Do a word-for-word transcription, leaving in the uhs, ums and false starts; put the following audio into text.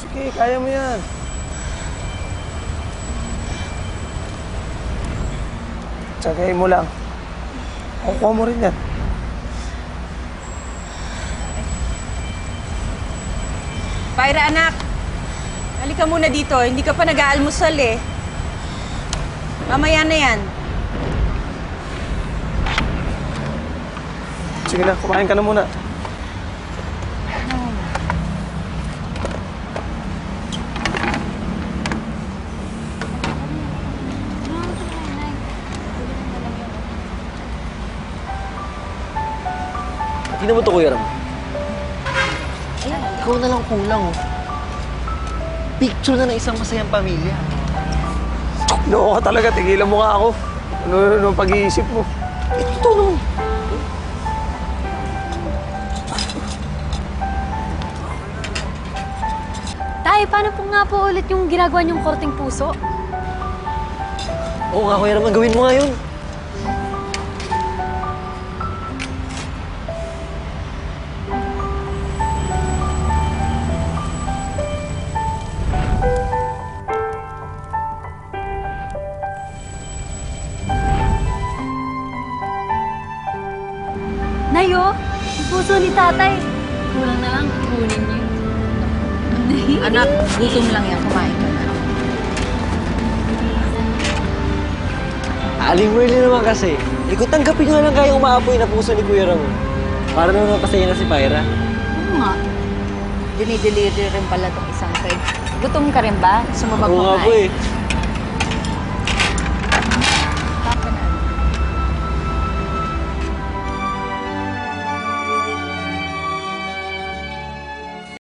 Sige, kaya mo yan. Tsagayin mo lang. Kukuha mo rin yan. Pyra, anak. Halika muna dito. Hindi ka pa nag-aalmusal eh. Mamaya na yan. Sige na, kumain ka na muna. Tingnan mo ito, Kuya Ram. Ikaw na lang kulang, oh. Picture na ng isang masayang pamilya. Loko ka talaga, tigilan mo nga ako. Ano ano pag-iisip mo? Ito, no. Tay, paano po nga po ulit yung ginagawa niyong korting puso? Oo nga, Kuya Ram, gawin mo nga yun. Nayo, yung puso ni tatay. Kulang na lang, kunin niyo. Anak, gutom lang yan. Kumain ka na. Aling Merly naman kasi. Eh, kung tanggapin nyo na lang kaya umaapoy na puso ni Kuya Ram. Para naman mapasaya na si Pyra. Oo nga. Dinideliver rin pala itong isang Fred. Gutom ka rin ba? Gusto mo ba Oo nga po kumain? eh.